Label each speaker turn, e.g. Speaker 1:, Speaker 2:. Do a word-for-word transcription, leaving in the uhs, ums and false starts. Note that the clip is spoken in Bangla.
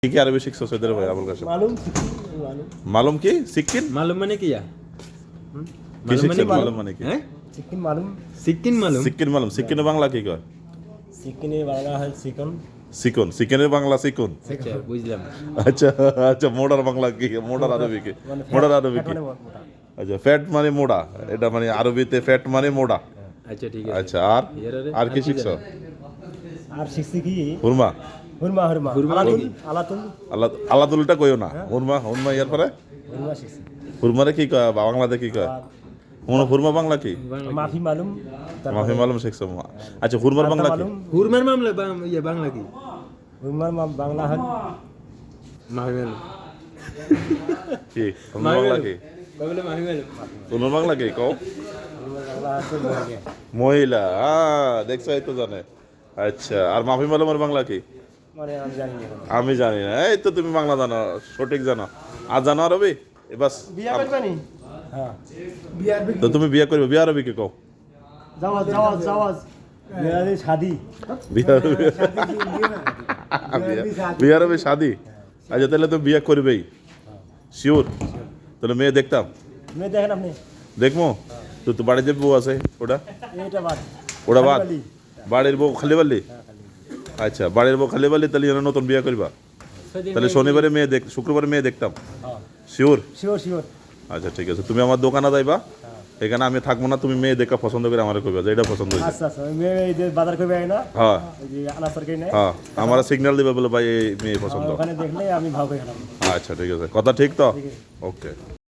Speaker 1: কি কি আরবি শিখছো সৈয়দের ভাই আবুল কাশেম?
Speaker 2: মালুম মালুম
Speaker 1: মালুম কি সিকিন
Speaker 3: मालूम माने क्या
Speaker 1: কি শিখছেন?
Speaker 2: মালুম।
Speaker 1: মালুম মানে কি?
Speaker 3: हैं
Speaker 2: সিকিম মালুম
Speaker 3: सिक्किन मालूम
Speaker 1: সিকিন মালুম। সিকিনের বাংলা কি কয়?
Speaker 2: সিকিনে বাংলা হয় সিকন
Speaker 1: সিকন। সিকিনের বাংলা সিকুন।
Speaker 3: अच्छा বুঝলাম
Speaker 1: আচ্ছা আচ্ছা, মোড়ার বাংলা কি? মোড়ার আরবি কি?
Speaker 2: মানে
Speaker 1: মোড়ার আরবি
Speaker 2: ফ্যাট
Speaker 1: কি?
Speaker 2: মানে মোটা।
Speaker 1: আচ্ছা, ফ্যাট মানে মোড়া, এটা মানে আরবিতে ফ্যাট মানে মোড়া।
Speaker 3: अच्छा ठीक है
Speaker 1: আচ্ছা, আর আর কি শিখছো?
Speaker 2: আর শিখছি কি
Speaker 1: হুরমা।
Speaker 2: হুরমা হুরমা
Speaker 3: হুরমা
Speaker 2: আলাতুল
Speaker 3: নাকি?
Speaker 2: আলাতুল
Speaker 1: আল্লাহ আল্লাদুলটা কইও না, হুরমা হুরমা ইয়ার পরে
Speaker 2: হুরমা শিখছি
Speaker 1: হুরমারে কি কয় বাংলাতে কি কয়?
Speaker 2: আর
Speaker 1: হুন- হুরমা বাংলা কি?
Speaker 2: মাফি মালুম
Speaker 1: মাফি মালুম শিখছো? আচ্ছা, হুরমার বাংলা কি?
Speaker 2: মালুম
Speaker 3: हुरमर मामला बांग- ये बांग्ला की
Speaker 2: হুরমার মা- বাংলা হয়
Speaker 3: माही मालूम
Speaker 1: কি হুরমার বাংলা কি?
Speaker 3: कब बोले माही मालूम
Speaker 1: হুরমার বাংলা কি কও?
Speaker 2: হুরমার বাংলা আছে মহিলা।
Speaker 1: মহিলা। হ্যাঁ, দেখছো, এই তো জানে। আচ্ছা, আর মাফি মালুমের বাংলা কি?
Speaker 2: মানে আমি জানি না এখনো।
Speaker 1: আমি জানি না। এই তো তুমি বাংলা জানো, সঠিক জানো। আর জানো আরবি? এ বাস।
Speaker 2: বিয়া করবানি হ্যাঁ বিয়ার
Speaker 1: তো তুমি বিয়ে করবে, বিয়ে আরবি কি কও?
Speaker 2: জাওয়াজ জাওয়াজ জাওয়াজ মেরাদি শাদি
Speaker 1: বিয়ে আরবি বিয়ে আরবি শাদি। আচ্ছা, তাহলে তো বিয়ে করবেই শিওর? তাহলে মেয়ে দেখতাম,
Speaker 2: মেয়ে দেখেন আপনি
Speaker 1: দেখবো তো। তো বাড়ির যে বউ আছে ওটা
Speaker 2: এইটা বাদ
Speaker 1: ওটা বাদ।
Speaker 2: খালি।
Speaker 1: বাড়ির বউ খালি বালি? আচ্ছা, বাড়ির বউ খালি বালি, তাহলে এনে নতুন বিয়ে করবা? তাহলে শনিবারে মেয়ে দেখ, শুক্রবারে মেয়ে দেখতাম
Speaker 2: হ্যাঁ
Speaker 1: শিওর?
Speaker 2: শিওর শিওর
Speaker 1: আচ্ছা ঠিক আছে, তুমি আমার দোকানে যাইবা, এখানে আমি থাকবো না, তুমি মেয়ে দেখা পছন্দ করে আমার কইবা যে এটা পছন্দ হয়েছে।
Speaker 2: আচ্ছা আচ্ছা ওই মেয়ে এই যে বাজার করবে না
Speaker 1: হ্যাঁ
Speaker 2: ওই যে আনাজ তরকারি নেয়
Speaker 1: হ্যাঁ, আমার সিগন্যাল দিবে বলে ভাই এই মেয়ে পছন্দ।
Speaker 2: ওখানে দেখলে আমি ভাব করে খেলাম
Speaker 1: আচ্ছা ঠিক আছে, কথা ঠিক তো?
Speaker 2: ঠিক আছে।
Speaker 1: ওকে।